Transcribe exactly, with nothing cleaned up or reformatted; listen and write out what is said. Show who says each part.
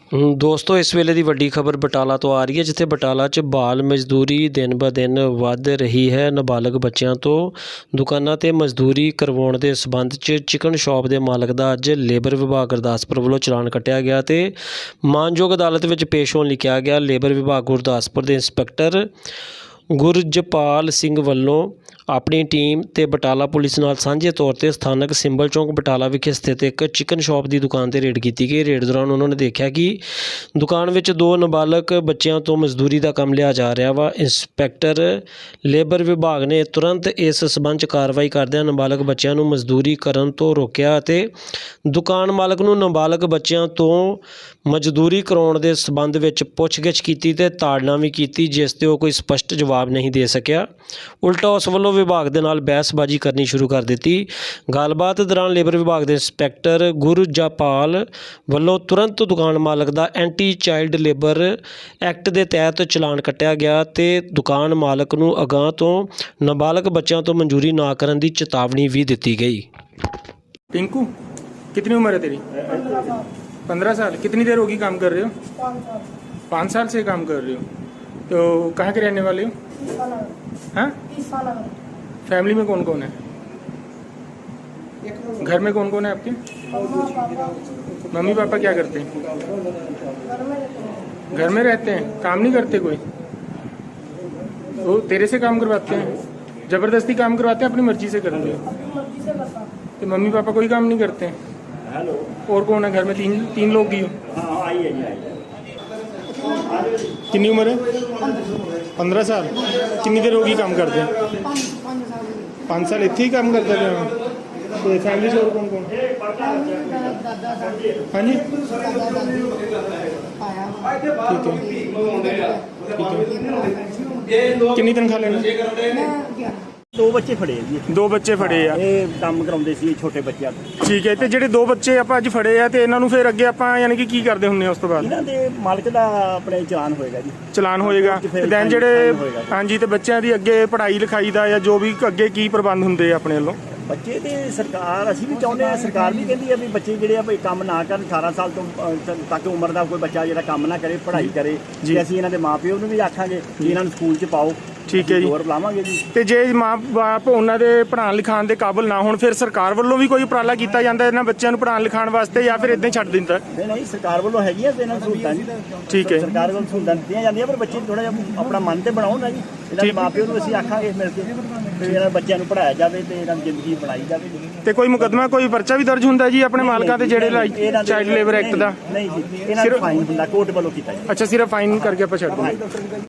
Speaker 1: ਦੋਸਤੋ ਇਸ ਵੇਲੇ ਦੀ ਵੱਡੀ ਖਬਰ ਬਟਾਲਾ ਤੋਂ ਆ ਰਹੀ ਹੈ, ਜਿੱਥੇ ਬਟਾਲਾ 'ਚ ਬਾਲ ਮਜ਼ਦੂਰੀ ਦਿਨ ਬ ਦਿਨ ਵੱਧ ਰਹੀ ਹੈ। ਨਾਬਾਲਗ ਬੱਚਿਆਂ ਤੋਂ ਦੁਕਾਨਾਂ 'ਤੇ ਮਜ਼ਦੂਰੀ ਕਰਵਾਉਣ ਦੇ ਸਬੰਧ 'ਚ ਚਿਕਨ ਸ਼ਾਪ ਦੇ ਮਾਲਕ ਦਾ ਅੱਜ ਲੇਬਰ ਵਿਭਾਗ ਗੁਰਦਾਸਪੁਰ ਵੱਲੋਂ ਚਲਾਨ ਕੱਟਿਆ ਗਿਆ ਤੇ ਮਾਨਯੋਗ ਅਦਾਲਤ ਵਿੱਚ ਪੇਸ਼ ਹੋਣ ਲਈ ਕਿਹਾ ਗਿਆ। ਲੇਬਰ ਵਿਭਾਗ ਗੁਰਦਾਸਪੁਰ ਦੇ ਇੰਸਪੈਕਟਰ ਗੁਰਜਪਾਲ ਸਿੰਘ ਵੱਲੋਂ ਆਪਣੀ ਟੀਮ ਤੇ ਬਟਾਲਾ ਪੁਲਿਸ ਨਾਲ ਸਾਂਝੇ ਤੌਰ ਤੇ ਸਥਾਨਕ ਸਿੰਬਲ ਚੌਂਕ ਬਟਾਲਾ ਵਿਖੇ ਸਥਿਤ ਇੱਕ ਚਿਕਨ ਸ਼ਾਪ ਦੀ ਦੁਕਾਨ ਤੇ ਰੇਡ ਕੀਤੀ ਗਈ। ਰੇਡ ਦੌਰਾਨ ਉਹਨਾਂ ਨੇ ਦੇਖਿਆ ਕਿ ਦੁਕਾਨ ਵਿੱਚ ਦੋ ਨਾਬਾਲਗ ਬੱਚਿਆਂ ਤੋਂ ਮਜ਼ਦੂਰੀ ਦਾ ਕੰਮ ਲਿਆ ਜਾ ਰਿਹਾ ਵਾ। ਇੰਸਪੈਕਟਰ ਲੇਬਰ ਵਿਭਾਗ ਨੇ ਤੁਰੰਤ ਇਸ ਸਬੰਧ 'ਚ ਕਾਰਵਾਈ ਕਰਦਿਆਂ ਨਾਬਾਲਗ ਬੱਚਿਆਂ ਨੂੰ ਮਜ਼ਦੂਰੀ ਕਰਨ ਤੋਂ ਰੋਕਿਆ ਅਤੇ ਦੁਕਾਨ ਮਾਲਕ ਨੂੰ ਨਾਬਾਲਗ ਬੱਚਿਆਂ ਤੋਂ ਮਜ਼ਦੂਰੀ ਕਰਾਉਣ ਦੇ ਸਬੰਧ ਵਿੱਚ ਪੁੱਛਗਿੱਛ ਕੀਤੀ ਤੇ ਤਾੜਨਾ ਵੀ ਕੀਤੀ, ਜਿਸ ਤੇ ਉਹ ਕੋਈ ਸਪਸ਼ਟ ਜਵਾਬ ਨਹੀਂ ਦੇ ਸਕਿਆ। ਉਲਟਾ ਉਸ ਵੱਲੋਂ ਵਿਭਾਗ ਦੇ ਨਾਲ ਬਹਿਸਬਾਜ਼ੀ ਕਰਨੀ ਸ਼ੁਰੂ ਕਰ ਦਿੱਤੀ। ਗੱਲਬਾਤ ਦੌਰਾਨ ਲੇਬਰ ਵਿਭਾਗ ਦੇ ਇੰਸਪੈਕਟਰ ਗੁਰਜਪਾਲ ਵੱਲੋਂ ਤੁਰੰਤ ਦੁਕਾਨ ਮਾਲਕ ਦਾ ਐਂਟੀ ਚਾਈਲਡ ਲੇਬਰ ਐਕਟ ਦੇ ਤਹਿਤ ਚਲਾਨ ਕੱਟਿਆ ਗਿਆ ਤੇ ਦੁਕਾਨ ਮਾਲਕ ਨੂੰ ਅਗਾਂਹ ਤੋਂ ਨਾਬਾਲਗ ਬੱਚਿਆਂ ਤੋਂ ਮਨਜ਼ੂਰੀ ਨਾ ਕਰਨ ਦੀ ਚੇਤਾਵਨੀ ਵੀ ਦਿੱਤੀ ਗਈ।
Speaker 2: टिंकू कितनी उम्र है तेरी? पंद्रह साल। कितनी देर होगी काम कर रहे हो? पाँच साल से काम कर रहे हो। तो कहाँ के रहने वाले हो? हाँ, फैमिली में कौन कौन है? घर में कौन कौन है आपके? मम्मी पापा क्या करते हैं? घर में रहते हैं, काम नहीं करते कोई? वो तेरे से काम करवाते हैं? जबरदस्ती काम करवाते हैं, अपनी मर्जी से करते हो? तो मम्मी पापा कोई काम नहीं करते हैं?
Speaker 3: हेलो,
Speaker 2: और कौन है घर में? तीन तीन लोग ही हो?
Speaker 3: हाँ आइए जी आइए।
Speaker 2: कितनी उम्र है? पंद्रह साल। कितनी देर होगी काम करते हैं? पाँच साल इतने ही काम करते हैं। तो फैमिली से और कौन कौन? हाँ जी, ठीक है ठीक है। कितनी तनख्वाह लेना?
Speaker 3: दो बच्चे फड़े जी।
Speaker 2: दो बच्चे फड़े आ।
Speaker 3: ਇਹ ਕੰਮ ਕਰਾਉਂਦੇ ਸੀ ਛੋਟੇ ਬੱਚਿਆਂ ਤੋਂ।
Speaker 2: ਠੀਕ ਹੈ। ਤੇ ਜਿਹੜੇ ਦੋ ਬੱਚੇ ਆਪਾਂ ਅੱਜ ਫੜੇ ਆ ਤੇ ਇਹਨਾਂ ਨੂੰ ਫਿਰ ਅੱਗੇ ਆਪਾਂ ਯਾਨੀ ਕਿ ਕੀ ਕਰਦੇ ਹੁੰਦੇ ਆ ਉਸ ਤੋਂ ਬਾਅਦ?
Speaker 3: ਇਹਨਾਂ ਦੇ ਮਾਲਕ ਦਾ ਆਪਣੇ ਚਲਾਨ ਹੋਏਗਾ ਜੀ।
Speaker 2: ਚਲਾਨ ਹੋਏਗਾ
Speaker 3: ਤੇ ਫਿਰ
Speaker 2: ਤੇ ਦੈਨ
Speaker 3: ਫਾਈਨ
Speaker 2: ਜਿਹੜੇ
Speaker 3: ਹੋਏਗਾ।
Speaker 2: ਹਾਂਜੀ ਤੇ ਬੱਚਿਆਂ ਦੀ ਅੱਗੇ ਪੜ੍ਹਾਈ ਲਿਖਾਈ ਦਾ ਜਾਂ ਜੋ ਵੀ ਅੱਗੇ ਕੀ ਪ੍ਰਬੰਧ ਹੁੰਦੇ ਆ ਆਪਣੇ ਵੱਲੋਂ?
Speaker 3: ਬੱਚੇ ਤੇ ਸਰਕਾਰ ਅਸੀਂ ਵੀ ਚਾਹੁੰਦੇ ਆ, ਸਰਕਾਰ ਵੀ ਕਹਿੰਦੀ ਆ ਵੀ ਬੱਚੇ ਜਿਹੜੇ ਆ ਵੀ ਕੰਮ ਨਾ ਕਰਨ, ਅਠਾਰਾਂ ਸਾਲ ਤੋਂ ਅ, ਤੱਕ ਉਮਰ ਦਾ ਕੋਈ ਬੱਚਾ ਜਿਹੜਾ ਕੰਮ ਨਾ ਕਰੇ, ਪੜ੍ਹਾਈ ਕਰੇ ਜੀ। ਅਸੀਂ ਇਹਨਾਂ ਦੇ ਮਾਪਿਓ ਨੂੰ ਵੀ ਆਖਾਂਗੇ ਕਿ ਇਹਨਾਂ ਨੂੰ ਸਕੂਲ 'ਚ ਪਾਓ।
Speaker 2: ਠੀਕ ਹੈ ਜੀ।
Speaker 3: ਜ਼ੋਰ ਲਾਵਾਂਗੇ ਜੀ।
Speaker 2: ਤੇ ਜੇ ਮਾਂ ਬਾਪ ਉਹਨਾਂ ਦੇ ਪੜ੍ਹਾਉਣ ਲਿਖਾਉਣ ਦੇ ਕਾਬਿਲ ਨਾ ਹੋਣ, ਫਿਰ ਸਰਕਾਰ ਵੱਲੋਂ ਵੀ ਕੋਈ ਉਪਰਾਲਾ ਕੀਤਾ ਜਾਂਦਾ ਇਹਨਾਂ ਬੱਚਿਆਂ ਨੂੰ ਪੜ੍ਹਾਉਣ ਲਿਖਾਉਣ ਵਾਸਤੇ ਜਾਂ ਫਿਰ ਇਦਾਂ ਹੀ ਛੱਡ ਦਿੰਦਾ?
Speaker 3: ਨਹੀਂ ਨਹੀਂ, ਸਰਕਾਰ ਵੱਲੋਂ ਹੈਗੀਆਂ ਤੇ ਇਹਨਾਂ ਨੂੰ ਸਹੂਲਤਾਂ ਜੀ।
Speaker 2: ਠੀਕ ਹੈ।
Speaker 3: ਸਰਕਾਰ ਵੱਲੋਂ ਸਹੂਲਤਾਂ ਦਿੱਤੀਆਂ ਜਾਂਦੀਆਂ, ਪਰ ਬੱਚੇ ਥੋੜਾ ਜਿਹਾ ਆਪਣਾ ਮਨ ਤੇ ਬਣਾਉਣ ਨਾ ਜੀ। ਇਹਨਾਂ ਦੇ ਮਾਪਿਓ ਨੂੰ ਅਸੀਂ ਆਖਾਂਗੇ ਮਿਲ ਕੇ ਤੇ ਇਹਨਾਂ ਬੱਚਿਆਂ ਨੂੰ ਪੜ੍ਹਾਇਆ ਜਾਵੇ ਤੇ ਇਹਨਾਂ ਦੀ ਜ਼ਿੰਦਗੀ ਬਣਾਈ ਜਾਵੇ।
Speaker 2: ਤੇ ਕੋਈ ਮੁਕੱਦਮਾ ਕੋਈ ਪਰਚਾ ਵੀ ਦਰਜ ਹੁੰਦਾ ਜੀ ਆਪਣੇ ਮਾਲਕਾਂ ਤੇ ਜਿਹੜੇ ਚਾਈਲਡ ਲੇਬਰ ਐਕਟ ਦਾ?
Speaker 3: ਨਹੀਂ ਜੀ, ਇਹਨਾਂ ਨੂੰ ਫਾਈਨ ਹੁੰਦਾ, ਕੋਰਟ ਵੱਲੋਂ ਕੀਤਾ ਜੀ।
Speaker 2: ਅੱਛਾ, ਸਿਰਫ ਫਾਈਨ ਕਰਕੇ ਆਪਾਂ ਛੱਡ ਦਿੰਦੇ।